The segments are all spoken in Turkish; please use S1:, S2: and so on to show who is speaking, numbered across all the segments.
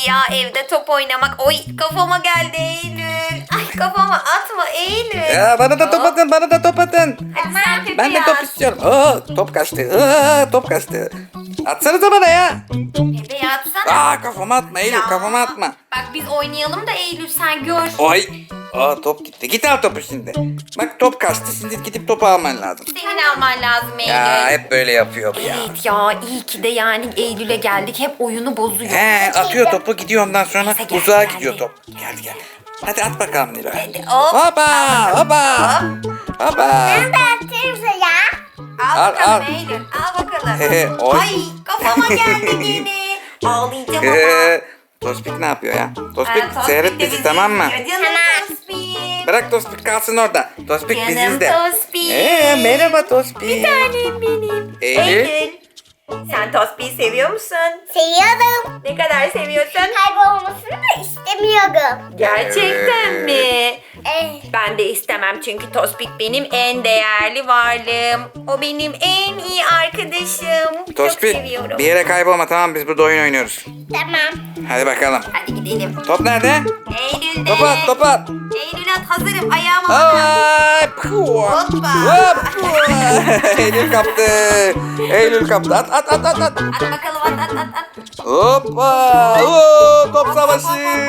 S1: ya evde top oynamak. Oy kafama geldi Eylül. Ay kafama atma Eylül.
S2: Ya bana da top atın, bana da top atın.
S1: Hadi sen Pepe
S2: Ben de top
S1: at.
S2: istiyorum. Aa, top kaçtı. Aa, top kaçtı. Atsanıza bana ya.
S1: Pepe atsana.
S2: Aa, kafama atma Eylül,
S1: Ya.
S2: kafama atma.
S1: Bak biz oynayalım da Eylül sen gör.
S2: Oy. Aa, top gitti. Git al topu şimdi. Bak top kaçtı. Şimdi gidip topu alman lazım.
S1: Senin alman lazım Eylül.
S2: Ya hep böyle yapıyor bu ya.
S1: Evet ya iyi ki de yani Eylül'e geldik. Hep oyunu bozuyor.
S2: He, atıyor topu gidiyor, ondan sonra
S1: Neyse, geldi,
S2: uzağa
S1: geldi.
S2: gidiyor top. Geldi gel. Hadi at bakalım Nilo.
S1: Hop.
S2: Hoppa hoppa. Hoppa.
S3: Atayım ya.
S1: Al
S2: Al,
S1: bakalım
S2: al.
S1: Eylül. Al bakalım.
S2: Oy.
S1: Ay kafama geldi yine. Ağlayacağım ama.
S2: Tospik ne yapıyor ya? Tospik
S1: Tospik
S2: seyret
S1: de
S2: bizi, tamam mı?
S1: izliyor. Canım
S3: Tamam.
S1: Tospik.
S2: Bırak Tospik kalsın orada. Tospik bizi
S1: Canım
S2: izle.
S1: Tospik.
S2: Merhaba Tospik.
S1: Bir tanem benim.
S2: Eylül.
S1: Sen Tospik'i seviyor musun?
S3: Seviyorum.
S1: Ne kadar seviyorsun?
S3: Kaybolmasını da istemiyorum.
S1: Gerçekten mi?
S3: Evet.
S1: Ben de istemem çünkü Tospik benim en değerli varlığım. O benim en iyi arkadaşım. Çok
S2: Tospik
S1: seviyorum.
S2: bir yere kaybolma, tamam, biz burada oyun oynuyoruz.
S3: Tamam.
S2: Hadi bakalım.
S1: Hadi gidelim.
S2: Top nerede?
S1: Eylül'de.
S2: Top at, top at.
S1: Eylül at hazırım. Ayağıma bakın.
S2: Ay, puh.
S1: Hoppa.
S2: Hop. Eylül kaptı. Eylül kaptı. At at at at at.
S1: At bakalım at.
S2: Hoppa. Oo, top savaşı.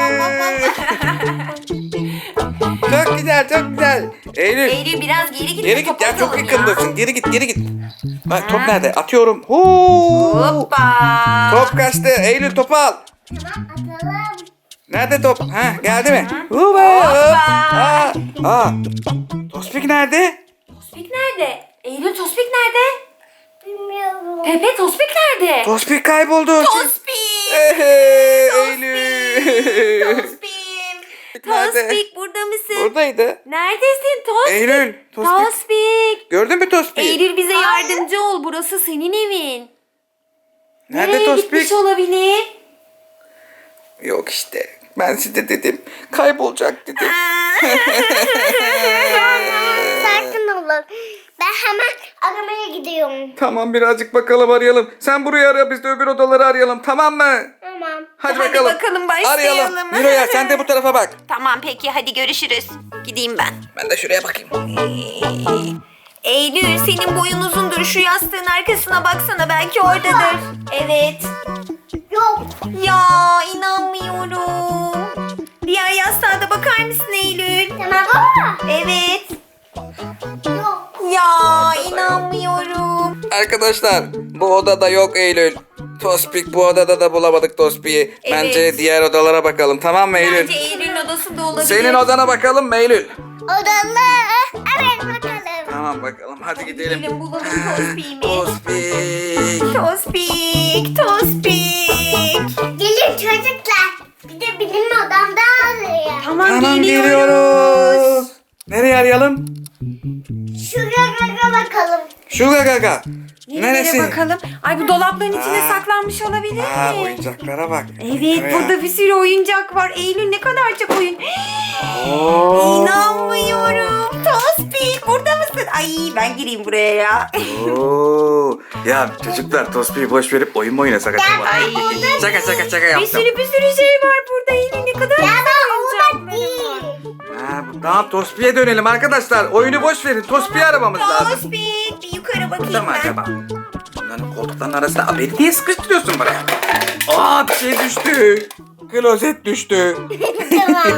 S2: Çok güzel, çok güzel. Eylül.
S1: Eylül biraz geri git.
S2: Geri git
S1: top
S2: ya, çok
S1: atalım
S2: yakındasın. Geri git, geri git. Bak top nerede? Atıyorum. Huu.
S1: Hoppa.
S2: Top kaçtı. Eylül topu al.
S3: Tamam atalım.
S2: Nerede top? Ha, geldi mi? Hoppa.
S1: Hoppa.
S2: Aa. Tospik nerede?
S1: Tospik nerede? Eylül Tospik nerede?
S3: Bilmiyorum.
S1: Pepe Tospik nerede?
S2: Tospik kayboldu.
S1: Tospik.
S2: Eylül.
S1: Tospik.
S2: Nerede?
S1: Tospik burada mısın?
S2: Buradaydı.
S1: Neredesin Tospik?
S2: Eylül. Tospik.
S1: Tospik.
S2: Gördün mü Tospik?
S1: Eylül bize yardımcı ol. Burası senin evin.
S2: Nerede
S1: Nereye
S2: Tospik?
S1: gitmiş olabilir?
S2: Yok işte. Ben size dedim. Kaybolacak dedim.
S3: Sakin olun. Ben hemen aramaya gidiyorum.
S2: Tamam, birazcık bakalım, arayalım. Sen burayı ara, biz de öbür odaları arayalım, tamam mı?
S3: Tamam.
S2: Hadi
S1: Hadi
S2: bakalım.
S1: bakalım, başlayalım.
S2: Arayalım. Miro'ya sen de bu tarafa bak.
S1: Tamam peki hadi görüşürüz. Gideyim ben.
S2: Ben de şuraya bakayım.
S1: Eylül senin boyun uzundur. Şu yastığın arkasına baksana belki oradadır. Evet.
S3: Yok.
S1: Ya inanmıyorum. Diğer yastığa da bakar mısın Eylül?
S3: Tamam baba.
S1: Evet.
S3: Yok.
S1: Ya inanmıyorum.
S2: Arkadaşlar, bu odada yok Eylül. Tospik bu odada da bulamadık Tospik'i.
S1: Evet.
S2: Bence diğer odalara bakalım, tamam mı Eylül?
S1: Bence Eylül'ün odasında olabilir.
S2: Senin odana bakalım mı Eylül?
S3: Odalı. Evet bakalım.
S2: Tamam bakalım, hadi gidelim.
S1: Gidelim bulalım Tospik'imi.
S2: Tospik.
S1: Tospik, Tospik.
S3: Gelin çocuklar. Bir de benim odamda arayın.
S2: Tamam, geliyoruz. Nereye arayalım?
S3: Şuraya bakalım.
S2: Şuraya gaga.
S1: Nereye bakalım? Ay bu dolapların içine saklanmış olabilir
S2: Aa,
S1: mi?
S2: oyuncaklara bak.
S1: Evet burada bir sürü oyuncak var. Eylül ne kadar çok oyun.
S2: Oo.
S1: İnanmıyorum. Tospik burada mısın? Ay ben gireyim buraya ya.
S2: Oo. Ya çocuklar, Tospik'i boş verip oyun mu oynasak acaba?
S1: Ay.
S2: Şaka
S1: Bir
S2: yaptım.
S1: sürü şey var burada. Eylül ne kadar güzel
S3: Orada
S1: oyuncakları var.
S3: değil.
S2: Tamam, Tospik'e dönelim arkadaşlar. Oyunu boş verin. Tospik'i aramamız lazım.
S1: Tospik bir yukarı bakayım
S2: Burada mı
S1: ben.
S2: acaba? Bunların koltukların arasında. Aa, beni niye sıkıştırıyorsun buraya? Aa, bir şey düştü. Klozet düştü.
S3: Tamam.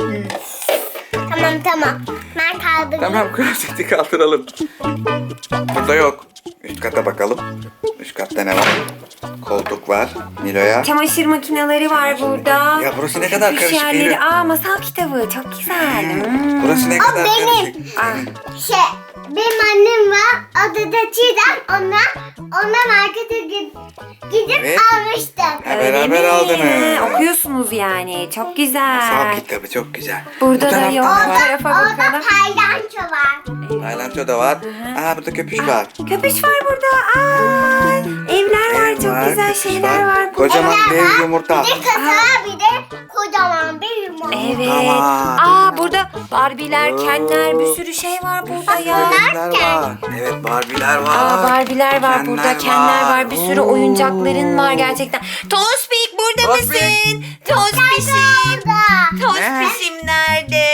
S3: Tamam. Ben kaldırdım.
S2: Tamam, klozeti kaldıralım. Burada yok. Üst kata bakalım. Üst katta ne var? Koltuk var. Nilo'ya.
S1: Çamaşır makineleri var burada.
S2: Ya burası ne kadar
S1: Köpüş
S2: karışık
S1: yerleri.
S2: Eylül.
S1: Aa masal kitabı çok güzel.
S2: Burası ne kadar
S3: benim.
S2: karışık.
S1: Aa,
S3: Benim annem var. Adı da Çiğdem. Ona markete gidip
S2: Evet.
S3: almıştım.
S2: Ha, beraber
S1: öyle mi?
S2: aldınız.
S1: Okuyorsunuz yani. Çok güzel.
S2: Masal kitabı çok güzel.
S1: Burada
S2: Bu
S1: da
S2: tarafta
S1: yok.
S2: ne
S1: Bu
S2: var?
S1: tarafa
S3: Orada
S1: bakalım.
S3: paylanço var.
S2: Tayland'da da var. Aa, burada köpüş var.
S1: Köpüş var burada. Aa, evler var.
S2: Ev
S1: Çok
S2: var,
S1: güzel
S2: köpüş
S1: şeyler var. burada.
S2: Kocaman
S3: Evler
S2: dev
S3: var.
S2: yumurta.
S3: Bir de kasa var, bir de kocaman kocaman bir limon.
S1: Evet.
S2: Tamam.
S1: Aa burada Barbie'ler, Kenler bir sürü şey var burada ya.
S2: Barbie'ler var. Evet Barbie'ler var.
S1: Aa Barbie'ler var burada, Kenler var. Bir sürü
S2: Oo.
S1: oyuncakların var gerçekten. Tospik burada
S2: Tospik.
S1: mısın? Tospişim. Tospişim nerede?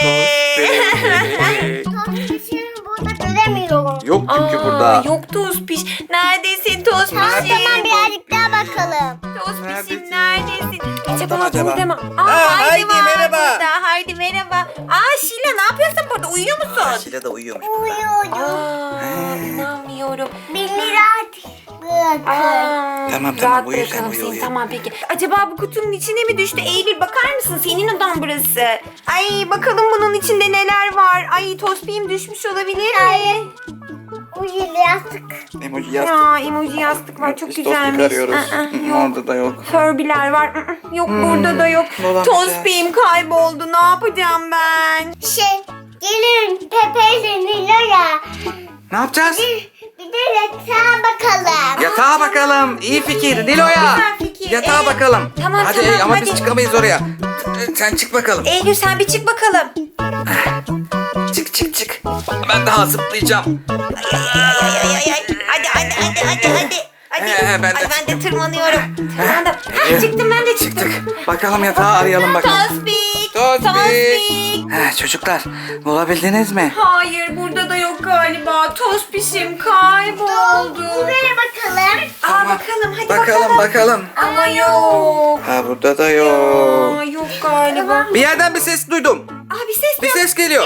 S3: Tospişimi burada göremiyorum.
S2: Yok çünkü
S1: Aa,
S2: burada.
S1: Yok Tospiş. Neredesin Tospişim?
S3: Tamam birazcık daha bakalım.
S1: Tospişim
S2: Neredesin?
S1: neredesin? Acaba
S2: mı acaba?
S1: burada mı?
S2: Aa, Haydi,
S1: var
S2: merhaba.
S1: burada. Haydi merhaba. Aa Şila ne yapıyorsun burada? Uyuyor musun?
S2: Şile de uyuyormuş burada.
S3: Uyuyorum.
S1: Aa inanmıyorum.
S3: 1 lira bırakın.
S1: Aa,
S2: Tamam,
S1: rahat
S2: uyu sen,
S1: bırakalım
S2: uyu,
S1: seni.
S2: uyu.
S1: Tamam peki. Acaba bu kutunun içine mi düştü? Eylül bakar mısın? Senin odan burası. Ay bakalım bunun içinde neler var. Ay tospiğim düşmüş olabilir mi?
S3: Hayır. Uyuyun yastık.
S2: Emoji yastık.
S1: Ya emoji yastık var çok
S2: Biz
S1: güzelmiş.
S2: tospik arıyoruz.
S1: Yok.
S2: Orada da yok.
S1: Furby'ler var. Yok burada da yok.
S2: bulamayacağız.
S1: Tospiğim kayboldu. Ne yapacağım ben?
S3: Gelin Pepe ile Nilo'ya.
S2: Ne yapacağız?
S3: Bir de yatağa bakalım.
S2: Yatağa bakalım. İyi fikir. Nilo'ya.
S1: Güzel fikir.
S2: Yatağa bakalım.
S1: Tamam,
S2: hadi
S1: tamam,
S2: ama
S1: hadi.
S2: biz çıkamayız oraya. Sen çık bakalım.
S1: Eylül sen bir çık bakalım.
S2: Çık çık çık. Ben daha zıplayacağım.
S1: Hadi. Hadi.
S2: Ben de
S1: Ay, ben de
S2: çıktım.
S1: tırmanıyorum. Tırmandım. Ha, çıktım ben de çıktım.
S2: Çıktık. Bakalım yatağı arayalım bakalım.
S1: Tospik.
S2: Tospik. Çocuklar bulabildiniz mi?
S1: Hayır burada da yok galiba. Tospişim kayboldu.
S3: Buraya bakalım.
S1: Aa bakalım hadi bakalım.
S2: Bakalım.
S1: Ama yok.
S2: Ha burada da yok.
S1: Aa yok galiba.
S2: Bir yerden bir ses duydum.
S1: Aa bir ses
S2: Bir
S1: yok.
S2: ses geliyor.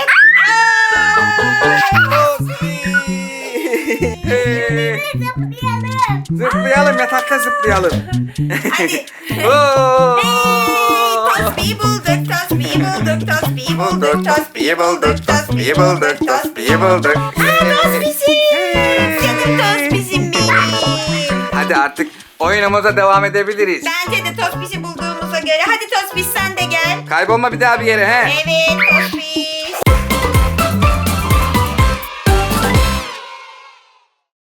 S2: Zıplayalım yatakta zıplayalım.
S1: Hadi.
S2: Oo.
S1: Tospi'yi bulduk, Tospi'yi bulduk, Tospi'yi bulduk, Tospi'yi bulduk, Tospi'yi bulduk, Tospi'yi bulduk. Tospişim. Canım Tospişim benim.
S2: Hadi artık oyunumuza devam edebiliriz.
S1: Bence de Tospiş'i bulduğumuza göre. Hadi Tospiş sen de gel.
S2: Kaybolma bir daha bir yere he.
S1: Evet Tospiş.